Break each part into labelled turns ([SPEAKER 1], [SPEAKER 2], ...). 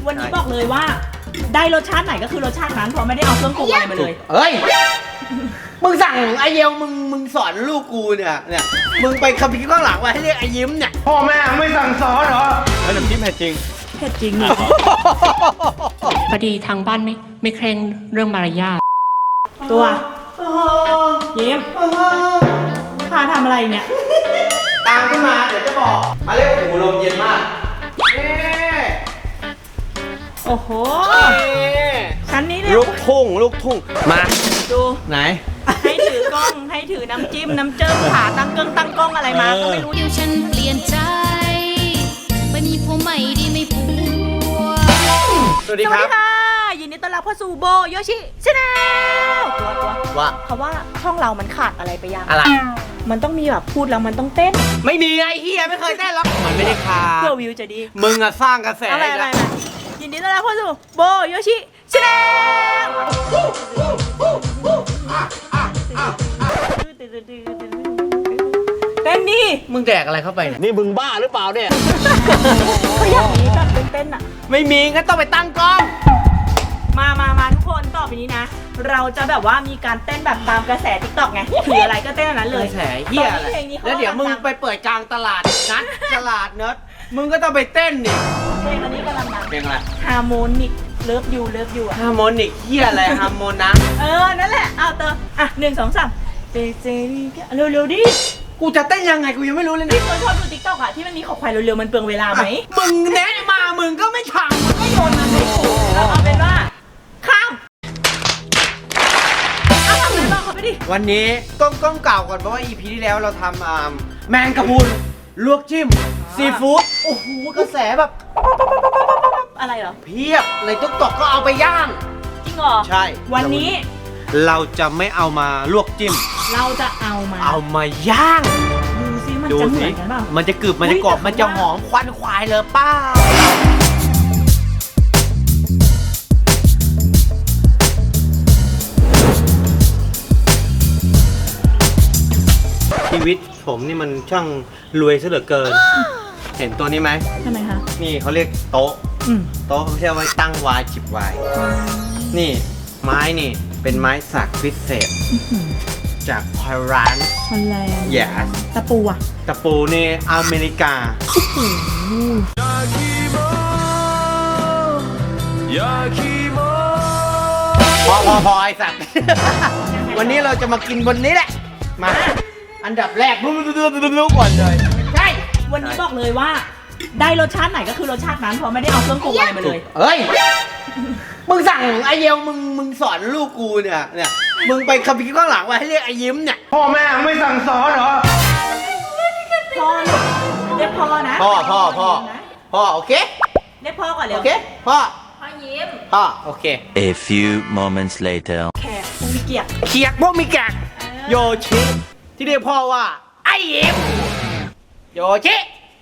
[SPEAKER 1] วันนี้บอกเลยว่าได้รสชาติไหนก็คือรสชาตินั้นเพราะไม่ได้เอาเครื่องปรุงอะไรมาเลย
[SPEAKER 2] เฮ้ยมึงสั่งไอเยลมึงสอนลูกกูเนี่ยมึงไปคัมภีร์ข้างหลังไว้ให้เรียกไอยิ้มเนี่ยพ่อแม่ไม่สั่งสอนเหรอแล้วน้ำจิ้มเผ็ดจริง
[SPEAKER 1] เผ็ดจริง
[SPEAKER 3] พอดีทางบ้านไม่เคร่งเรื่องมารยาท
[SPEAKER 1] ตัวยิ้มพาทำอะไรเนี่ย
[SPEAKER 2] ตามขึ้นมาเดี๋ยวจะบอกมาเรียกหูลมเย็นมาก
[SPEAKER 1] โอ้โหชั้นนี้เนี่ย
[SPEAKER 2] ลูกทุ่งมา
[SPEAKER 1] ดู
[SPEAKER 2] ไหน
[SPEAKER 1] ให้ถือกล้องให้ถือน้ำจิ้มน้ำเจิ้มขาตั้งกล้องอะไรมาก็ไม่รู้
[SPEAKER 4] เดี๋ยวฉันเปลี่ยนใจไปมีผัวใหม่ดีไม่ผัว
[SPEAKER 2] สวัสดีครับ
[SPEAKER 1] ยินดีต้อนรับเข้าสู่โบโยชิชาแนลตัว
[SPEAKER 2] ว่า
[SPEAKER 1] เขาว่าช่องเรามันขาดอะไรไปยัง
[SPEAKER 2] อะไร
[SPEAKER 1] มันต้องมีแบบพูดแล้วมันต้องเต้น
[SPEAKER 2] ไม่มีไอ้เฮียไม่เคยเต้นหรอกมันไม่ได้ขาด
[SPEAKER 1] เพื่อวิวจะดี
[SPEAKER 2] มึงอะสร้างกระแส
[SPEAKER 1] อะไรยินดีต้อนรับเข้าสู่โบโยชิชาแนลเต้นดิ
[SPEAKER 2] มึงแดกอะไรเข้าไปนี่มึงบ้าหรือเปล่าเนี่ย
[SPEAKER 1] ก็อย่างนี้แบบเต้นอะ
[SPEAKER 2] ไม่มีงั้นต้องไปตั้งกล้อง
[SPEAKER 1] มาทุกคนต่อไปนี้นะเราจะแบบว่ามีการเต้นแบบตามกระแส TikTok ไงถืออะไรก็เต้นอันนั้นเลย
[SPEAKER 2] กระแสเหี้ยอะไรแล้วเดี๋ยวมึงไปเปิดกลางตลาดนั้นตลาดเนิร์ดมึงก็ต้องไปเต้นดิ
[SPEAKER 1] เพลงอันนี้กำลังดัง
[SPEAKER 2] เพลงอะไร
[SPEAKER 1] ฮาร์โมนิกเลิฟยูอะ
[SPEAKER 2] ฮาร์โมนิกเหี้ยอะไรฮาร์โมนะ
[SPEAKER 1] นั่นแหละเอาเตออ่ะ1 2 3เจเร็วดิ
[SPEAKER 2] กูจะเต้นยังไงกูยังไม่รู้เลย
[SPEAKER 1] นี่คนชอบดู TikTok อ่ะที่มันมีขอควายเร็วๆมันเปลืองเวลาไหม
[SPEAKER 2] มึงแนะมามึงก็ไม่ทำมึงก็โยนมาให้กู
[SPEAKER 1] เอาเป็นว่าข้ามเอาทำอะไรบ้างเขาไปดิ
[SPEAKER 2] วันนี้ต้องกล่าวก่อนเพราะว่า EP ที่แล้วเราทำแมงกะพรุนลวกจิ้มซีฟู้ดโอ้โหกระแสแบบ
[SPEAKER 1] อะไรเหรอ
[SPEAKER 2] เพียบในTikTokก็เอาไปย่าง
[SPEAKER 1] จริงเหรอ
[SPEAKER 2] ใช่
[SPEAKER 1] วันนี้
[SPEAKER 2] เราจะไม่เอามาลวกจิ้ม
[SPEAKER 1] เราจะเอา
[SPEAKER 2] มาย่าง
[SPEAKER 1] ดูซิมันจะเหมือนกันเปล่า
[SPEAKER 2] มันจะกรึบมันจะกรอบมันจะหอมควันควายเลยป้าชีวิตผมนี่มันช่างรวยซะเหลือเกินเห็นตัวนี้ไหม
[SPEAKER 1] ทำไมคะ
[SPEAKER 2] นี่เขาเรียกโต๊ะเขาเรียกว่าตั้งวายจิบวายนี่ไม้นี่เป็นไม้สักพิเศษจากฮอลแลนด์yes
[SPEAKER 1] ตะปูอะ
[SPEAKER 2] ตะปูนี่อเมริกาพอไอ้สัตว์วันนี้เราจะมากินบนนี้แหละมาอันดับแรกรู้ก่อนเลยใช่
[SPEAKER 1] วันนี้บอกเลยว่าได้รสชาติไหนก็คือรสชาตินั้นเพราะไม่ได้เอาเครื่องปรุงอะไรมาเลย
[SPEAKER 2] เฮ้ยมึงสั่งไอเยลมึงสอนลูกกูเนี่ยมึงไปคัมภีร์ข้างหลังไว้ให้เรียกไอยิ้มเนี่ยพ่อแม่ไม่สั่งสอนเหรอ
[SPEAKER 1] พ่อเรียกพ่อนะ
[SPEAKER 2] พ่อโอเค
[SPEAKER 1] เรียกพ่อก่อนเลย
[SPEAKER 2] โอเคพ่อ
[SPEAKER 1] ยิ้ม
[SPEAKER 2] พ่อโอเค
[SPEAKER 5] A few moments later
[SPEAKER 1] แขกพวกมีเกียก
[SPEAKER 2] พวกมีแกกโยชิที่เรียกพ่อว่าไอยิ้มโยชิ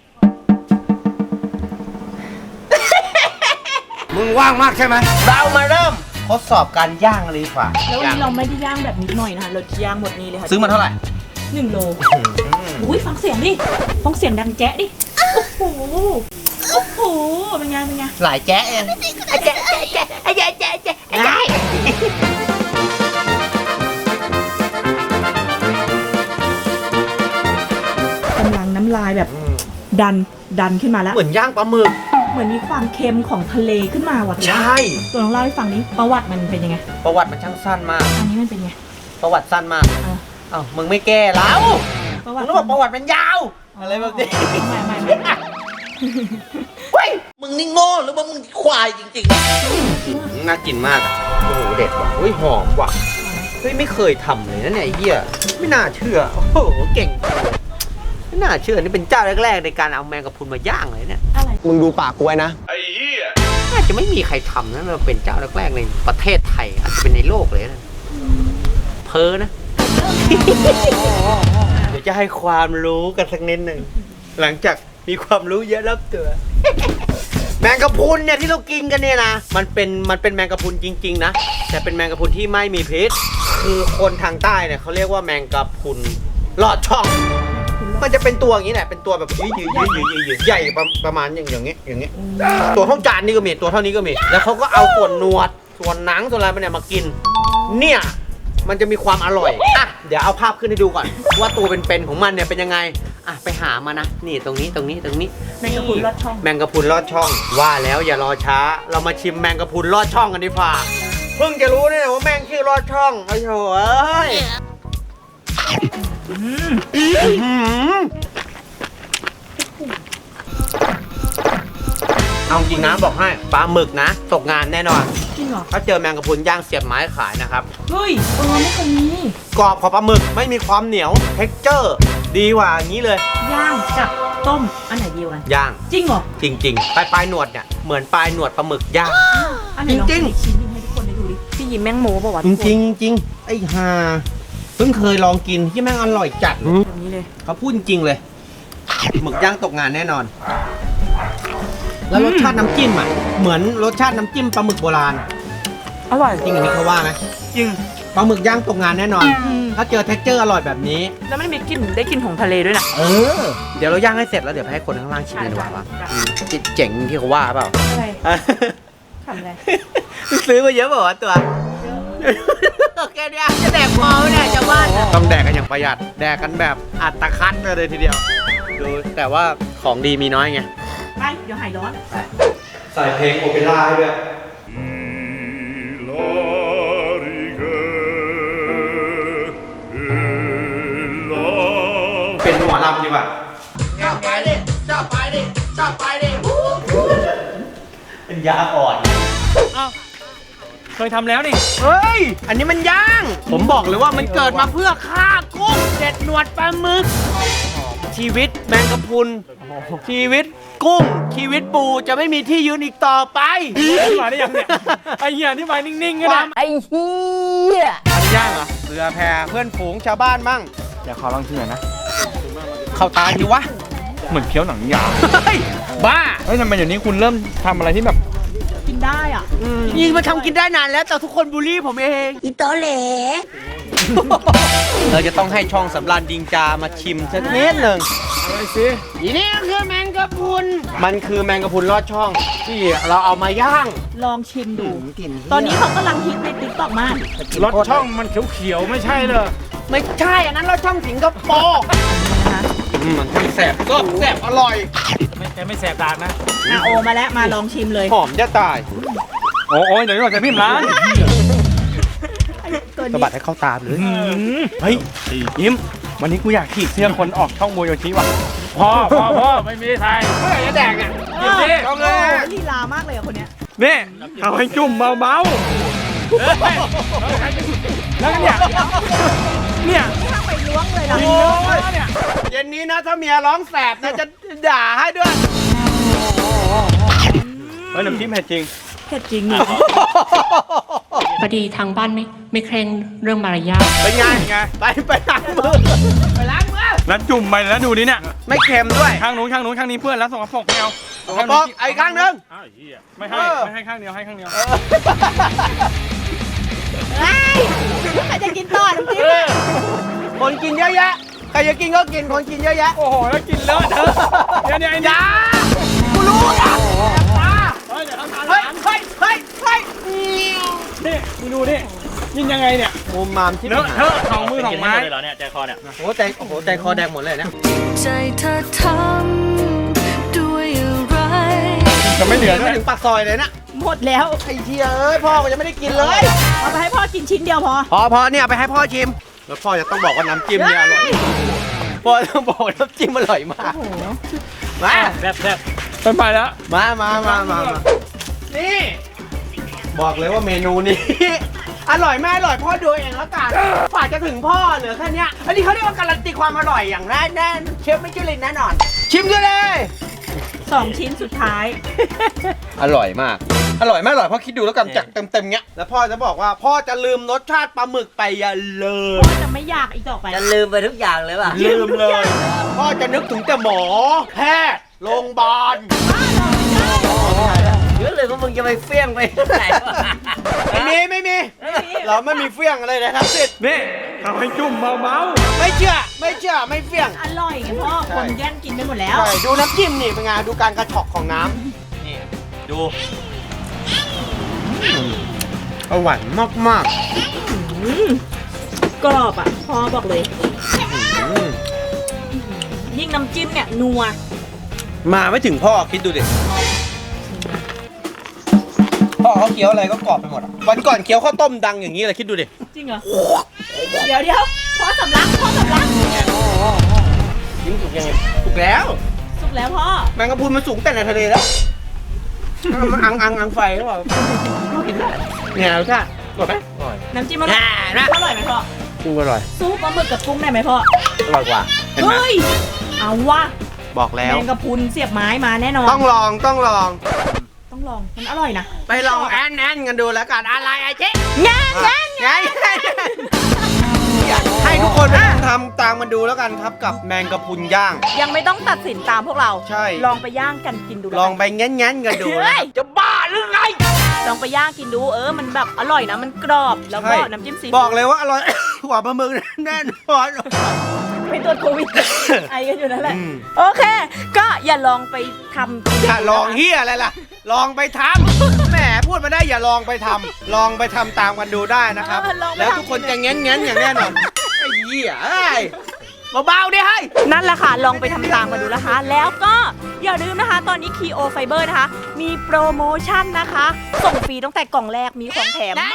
[SPEAKER 2] มึงว่างมากใช่ไหมเรามาเริ่มทดสอบการย่างเลยดีกว่า
[SPEAKER 1] แล้ววันนี้เราไม่ได้ย่างแบบนิดหน่อยนะคะเราย่างหมดนี้เลยค่ะ
[SPEAKER 2] ซื้อมาเท่าไหร่
[SPEAKER 1] 1 โลอุ้ยฟังเสียงดิฟังเสียงดังแจ๊ะดิโอ้โหเป็นไง
[SPEAKER 2] หลายแจ๊ะเอง
[SPEAKER 1] แจ๊ะกำลังน้ำลายแบบดันขึ้นมาแล้ว
[SPEAKER 2] เหมือนย่างปลาหมึก
[SPEAKER 1] เหมือนมีความเค็มของทะเลขึ้นมาว่ะ
[SPEAKER 2] ใช่
[SPEAKER 1] ตัวน้องเล่าให้ฟังนี้ประวัติมันเป็นยังไง
[SPEAKER 2] ประวัติมันช่างสั้นมาก
[SPEAKER 1] อันนี้มันเป็นไง
[SPEAKER 2] ประวัติสั้นมากมึงไม่แก้แล้วมึงต้องบอกประวัติมันยาวอะไรแบบนี้
[SPEAKER 1] ไม่
[SPEAKER 2] เฮ้ยมึงนี่โง่หรือว่ามึงควายจริงๆน่ากินมากโอ้โหเด็ดว่ะหอมว่ะเฮ้ยไม่เคยทำเลยนะเนี่ยไอ้เหี้ยไม่น่าเชื่อโอ้โหเก่งไม่น่าเชื่อนี่เป็นเจ้าแรกๆในการเอาแมงกะพรุนมาย่างเลยเนี่ยมึงดูปากกูไว้นะไอ้เหี้ยน่าจะไม่มีใครทำนะเราเป็นเจ้าแรกๆในประเทศไทยอาจจะเป็นในโลกเลยนะเพ้อนะเดี๋ยวจะให้ความรู้กันสักนิดหนึ่งหลังจากมีความรู้เยอะรับตัวแมงกะพรุนเนี่ยที่เรากินกันเนี่ยนะมันเป็นแมงกะพรุนจริงๆนะแต่เป็นแมงกะพรุนที่ไม่มีพิษคือคนทางใต้เนี่ยเขาเรียกว่าแมงกะพรุนลอดช่องมันจะเป็นตัวอย่างนี้แหละเป็นตัวแบบยืดใหญ่ประมาณอย่างนี้ตัวเท่าจานนี่ก็มีตัวเท่านี้ก็มีแล้วเขาก็เอาส่วนหนวดส่วนหนังส่วนอะไรเนี่ยมากินเนี่ยมันจะมีความอร่อยอ่ะเดี๋ยวเอาภาพขึ้นให้ดูก่อนว่าตัวเป็นๆของมันเนี่ยเป็นยังไงอ่ะไปหามานะนี่ตรงนี้
[SPEAKER 1] แมงกะพรุนลอดช่อง
[SPEAKER 2] แมงกะพรุนลอดช่องว่าแล้วอย่ารอช้าเรามาชิมแมงกะพรุนลอดช่องกันดีกว่าเพิ่งจะรู้เนี่ยว่าแมงชื่อลอดช่องไอ้โถ่เอ้ยเอาจริงนะบอกให้ปลาหมึกนะตกงานแน่นอน
[SPEAKER 1] จริงเหรอ
[SPEAKER 2] ถ้าเจอแมงกะพรุนย่างเสียบไม้ขายนะครับ
[SPEAKER 1] เฮ้ยไม่เคยมี
[SPEAKER 2] กรอบของปลาหมึกไม่มีความเหนียวเท็กเจอร์ดีกว่าอย่างนี้เลย
[SPEAKER 1] ย่างกับต้มอันไหนดีกว่ากัน
[SPEAKER 2] ย่าง
[SPEAKER 1] จริงเหรอ
[SPEAKER 2] จริงๆปลายหนวดเนี่ยเหมือนปลายหนวดปลาหมึกย่าง
[SPEAKER 1] อันไหนลอง
[SPEAKER 2] จริงๆ
[SPEAKER 1] อีกชิ้นหนึงให้ทุกคนได้ดูดิพี่ยิ้มแมงโมป่าวะ
[SPEAKER 2] จริงไอ้ห่าเพิ่งเคยลองกินที่แม่งอร่อยจัด
[SPEAKER 1] แบบนี้เลย
[SPEAKER 2] เขาพูดจริงเลยหมึกย่างตกงานแน่นอน แล้วรสชาติน้ำจิ้มอ่ะเหมือนรสชาติน้ำจิ้มปลาหมึกโบราณ
[SPEAKER 1] อร่อย
[SPEAKER 2] จริงอย่างนี้เขาว่าไหม
[SPEAKER 1] จริง
[SPEAKER 2] ปลาหมึกย่างตกงานแน่นอน ถ้าเจอเท็กเจอร์อร่อยแบบนี้
[SPEAKER 1] แล้วไม่มีกลิ่นได้กลิ่นของทะเลด้วยนะ
[SPEAKER 2] เออ เดี๋ยวเราย่างให้เสร็จแล้วเดี๋ยวไปให้คนข้างล่างชิมกันดีกว่าว่าเจ๋งที่เขาว่าเปล่า
[SPEAKER 1] อะไรทำอะไร
[SPEAKER 2] ซื้อมาเยอะเปล่าวะตัวแค่เนี้ยจะแดกพอไหมเนี่ยจะบ้านต้องแดกกันอย่างประหยัดแดกกันแบบอัดตะคัดเลยทีเดียวดูแต่ว่าของดีมีน้อยไง
[SPEAKER 1] ไปเดี๋ยวหายร้อน
[SPEAKER 2] ใส่เพลงโอเปร่าให้ด้วยเป็นหมอลำดีกว่าชอบไปดิเป็นยาอ่อน
[SPEAKER 6] เคยทำแล้วนี่
[SPEAKER 2] เฮ้ย อันนี้มันย่าง ผมบอกเลยว่ามันเกิดมาเพื่อฆ่ากุ้งเด็ดหนวดปลาหมึก ชีวิตแมงกะพรุน ชีวิตกุ้ง ชีวิตปูจะไม่มีที่ยืนอีกต่อไป
[SPEAKER 6] ที่มาได้ยังเนี่ย ไอ้เหี้ยที่มานิ่งๆก็ได้
[SPEAKER 2] อันนี้ย่างเหรอเรือแพเพื่อนฝูงชาวบ้านบ้าง
[SPEAKER 6] อยากขอลองชิมหน่อยนะ
[SPEAKER 2] เข้าตาทีวะ
[SPEAKER 6] เหมือนเคี้ยวหนังยาง
[SPEAKER 2] เฮ้ย บ้า
[SPEAKER 6] เฮ้ยทำไมเดี๋ยวนี้คุณเริ่มทำอะไรที่แบบ
[SPEAKER 1] กินได้อ่ะ
[SPEAKER 2] ยิงมาทำกินได้นานแล้วแต่ทุกคนบูลลี่ผมเองอีโตเหลเราจะต้องให้ช่องสำรานดิงจามาชิมสักนิดหนึ่ง
[SPEAKER 6] อะไรสิ
[SPEAKER 2] อีนี่ก็คือแมงกะพรุนมันคือแมงกะพรุนลอดช่อง ที่เราเอามาย่าง
[SPEAKER 1] ลองชิมดู ตอนนี้เขากำลังฮิตในติ๊กต็อกมาก
[SPEAKER 6] รสช่องมันเขียวๆไม่ใช่เลย
[SPEAKER 2] ไม่ใช่อันนั้นลอดช่องสิงคโปร์มันทั้งแสบก็แสบอร่อย
[SPEAKER 6] ไม่แสบตานะ
[SPEAKER 1] โอมาแล้วมาลองชิมเลย
[SPEAKER 2] หอมจะตาย
[SPEAKER 6] โอ้ยเดี๋ยวก่อนจะพิมพ์ร้าน
[SPEAKER 1] ตัว
[SPEAKER 2] สะ
[SPEAKER 1] นี้
[SPEAKER 2] บัดให้เข้าตาเลย
[SPEAKER 6] เฮ้ยยิ้มวันนี้กูอยากขีดเสื้อคนออกช่องโมโยชิว่ะพอไม่มีไทยเมื่อไหร่จะแดกอ่ะ
[SPEAKER 1] เอ
[SPEAKER 6] ยิ้ม
[SPEAKER 1] อ
[SPEAKER 6] ดิ
[SPEAKER 1] โอ้โหลีลามากเลยอ่ะคนเนี้ย
[SPEAKER 6] นี่เอาให้จุ่มเบาๆแล้วเนี่ย
[SPEAKER 1] ถ้าไปล้วงเลยล่ะ
[SPEAKER 6] โอ้ยเนี่ย
[SPEAKER 2] เย็นนี้นะถ้าเมียร้องแสบนะจะด่าให้ด้วย
[SPEAKER 6] เฮ้ยน้ำจิ้มเผ็ดจริง
[SPEAKER 1] เผ็ดจริงนี่
[SPEAKER 3] พอดีทางบ้านไม่เคร่งเรื่องมารยาท
[SPEAKER 2] เป็นไงไปล้างมือไปล้างมือ
[SPEAKER 6] แล้วจุ่มไปแล้วดูดิเนี่ย
[SPEAKER 2] ไม่เค็มด้วย
[SPEAKER 6] ข้างนู้นข้างนี้เพื่อนแล้วสกปรกไม่เอา
[SPEAKER 2] สกปรกไอ้ข้างนึง
[SPEAKER 6] อ้าวไอ้เหี้ยไม่ให้ข้างเดียวให้ข้างเดียว
[SPEAKER 1] เฮ้ยใครจะกินต่อน้ำจิ้มอะ
[SPEAKER 2] คนกินเยอะแยะใครจะกินก็กินคนกินเยอะแยะ
[SPEAKER 6] โอ้โหแล้วกินเลอะเทอะเดี๋ยวไอ้
[SPEAKER 2] อย่ากูรู้อ่ะตา
[SPEAKER 6] เฮ้ยเดี๋ยวทำทาน
[SPEAKER 2] เฮ้ย
[SPEAKER 6] นี่มึงดูนี่ยินยังไงเนี่ย
[SPEAKER 2] มุมมามที่
[SPEAKER 6] เลอะเทอะสองมือสองไม้
[SPEAKER 2] โอ้ใจคอแดงหมดเลยนะ
[SPEAKER 4] ใจเธอทำด้วยอะไร
[SPEAKER 6] จะไม่เหลือ
[SPEAKER 2] ไม่
[SPEAKER 6] ด้วย
[SPEAKER 2] ถึงปากซอยเลยนะ
[SPEAKER 1] หมดแล้ว
[SPEAKER 2] ไอ้เทียเอ้ยพ่อก็ยังไม่ได้กินเลย
[SPEAKER 1] เอาไปให้พ่อกินชิ้นเดียวพอ
[SPEAKER 2] พอเนี่ยไปให้พ่อชิมแล้วพ่อจะต้องบอกว่าน้ำจิ้มเนี่ยอร่อยพ่อต้องบอกว่าน้ำจิ้มอร่อยมากมา
[SPEAKER 6] แซ่บไปแล้ว
[SPEAKER 2] มานี่ บอกเลยว่าเมนูนี้ อร่อยไม่อร่อยพ่อดูเองแล้วกันฝากจะถึงพ่อเหลือแค่เนี้ยอันนี้เขาเรียกว่าการันตีความอร่อยอย่างแน่เชฟไม่จุลินแน่นอน ชิมกันเลย
[SPEAKER 1] 2 ชิ้นสุดท้าย
[SPEAKER 2] อร่อยมาก อร่อยไม่อร่อยพ่อคิดดูแล้วกันจากเต็มๆเงี้ยแล้วพ่อจะบอกว่าพ่อจะลืมรสชาติปลาหมึกไปอย่าเลย
[SPEAKER 1] พ่อจะไม่อยากอีกต่อไป
[SPEAKER 7] จะลืมไปทุกอย่างเลยป่ะ
[SPEAKER 2] ลืมเลย พ่อจะนึกถึงแต่หมอแพทย์โรงพยาบาลเยอะเลยว่ามึงจะไปเฟี้ยงไปไหนวะไม่มีเราไม่มีเฟี้ยงอะไรเลยทั้งสิ้น
[SPEAKER 6] นี่ทำให้จุ่มเมา
[SPEAKER 2] ไม่เชื่อไม่เฟี้ยง
[SPEAKER 1] อร่อยไงพ่อคนแย่งกินไปหมดแล้ว
[SPEAKER 2] ใช่ดูน้ำจิ้มนี่เป็นไงดูการกระชอกของน้ำนี่ดูอร่อยมาก
[SPEAKER 1] กรอบอ่ะพ่อบอกเลย ยิ่งน้ำจิ้มเนี่ยนัว
[SPEAKER 2] มาไม่ถึงพ่อคิดดูดิพ่อเขาเคี้ยวอะไรก็กรอบไปหมดอะวันก่อนเคี้ยวข้าวต้มดังอย่างนี้เลยคิดดูดิ
[SPEAKER 1] จริงเหรอ เดี๋ยวพ่อสำลัก
[SPEAKER 2] ยิ้มสุกยังไงสุกแล้ว
[SPEAKER 1] สุกแล้วพ่อ
[SPEAKER 2] แมงกะพรุนมันสูงแต่ในทะเลแล้วมันอังไฟหรือเปล่ากินได้เนี่ยรสชาติอร่อยไหมอร่อย
[SPEAKER 1] น้ำจิ้มอร่อยอร่อยไหมพ่อ
[SPEAKER 2] กุ้งอร่อย
[SPEAKER 1] ซุปปลาหมึกกับกุ้งได้ไหมพ่อ
[SPEAKER 2] อร่อยกว่าเห็นไหม
[SPEAKER 1] เฮ้ยเอาวะ
[SPEAKER 2] บอกแล้ว
[SPEAKER 1] แมงกะพรุนเสียบไม้มาแน่นอน
[SPEAKER 2] ต้องลอง
[SPEAKER 1] ต้องลองมันอร่อยนะ
[SPEAKER 2] ไปลองแอนกันดูแล้วกันอะไรไอ้เจ๊
[SPEAKER 1] งาน
[SPEAKER 2] ไงให้ทุกคนไปทำตามมันดูแล้วกันครับกับแมงกะพรุนย่าง
[SPEAKER 1] ยังไม่ต้องตัดสินตามพวกเรา
[SPEAKER 2] ใช่
[SPEAKER 1] ลองไปย่างกันกินดู
[SPEAKER 2] ลองไปแง้นกันดู
[SPEAKER 1] เฮ้ย
[SPEAKER 2] จะบ้าหรือไง
[SPEAKER 1] ลองไปย่างกินดูมันแบบอร่อยนะมันกรอบแล้วก็
[SPEAKER 2] ใช่
[SPEAKER 1] น้ำจิ้มซี
[SPEAKER 2] บอกเลยว่าอร่อย กว่าปลาหมึกแน่นอน
[SPEAKER 1] ไปตรวจโควิด ไอกันอยู่นั่นแหละ
[SPEAKER 2] อืม
[SPEAKER 1] โอเค ก็อย่าลองไปทำ
[SPEAKER 2] อย่าลองเฮียอะไรล่ะ ลองไปทำแหมพูดมาได้อย่าลองไปทำลองไปทำตามกันดูได้นะครับ แล้วทุกคนจะแง้นอย่างแน่นอนไอ้เหี้ยเอ้ยเบาๆดิให้
[SPEAKER 1] นั่นแหละค่ะ ลองไปทำตามมาดูนะคะ แล้วก็อย่าลืมนะคะ ตอนนี้ Kio Fiber นะคะ มีโปรโมชั่นนะคะ ส่งฟรีตั้งแต่กล่องแรกมีของแถมนั่น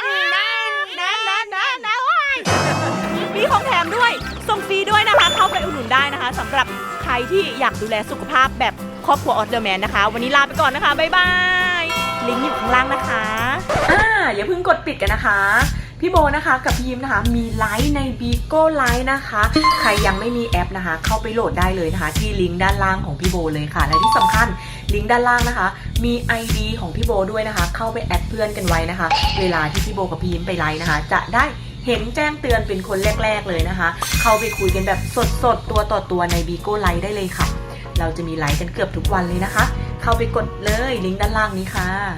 [SPEAKER 1] มีของแถมด้วย ส่งฟรีด้วยนะคะ เข้าไปอุดหนุนได้นะคะสำหรับใครที่อยากดูแลสุขภาพแบบครอบครัวออสเดอร์แมนนะคะ วันนี้ลาไปก่อนนะคะ บ๊ายบาย ลิงก์อยู่ข้างล่างนะคะอย่าเพิ่งกดปิดกันนะคะ พี่โบนะคะกับพี่ยิ้มนะคะมีไลฟ์ใน Bigo Live นะคะ ใครยังไม่มีแอปนะคะ เข้าไปโหลดได้เลยนะคะ ที่ลิงก์ด้านล่างของพี่โบเลยค่ะ และที่สำคัญลิงก์ด้านล่างนะคะ มี ID ของพี่โบด้วยนะคะ เข้าไปแอดเพื่อนกันไว้นะคะ เวลาที่พี่โบกับพี่ยิ้มไปไลฟ์นะคะ จะได้เห็นแจ้งเตือนเป็นคนแรกๆเลยนะคะ เข้าไปคุยกันแบบสดๆตัวต่อตัวใน Bigo Live ได้เลยค่ะ เราจะมีไลฟ์กันเกือบทุกวันเลยนะคะ เข้าไปกดเลยลิงก์ด้านล่างนี้ค่ะ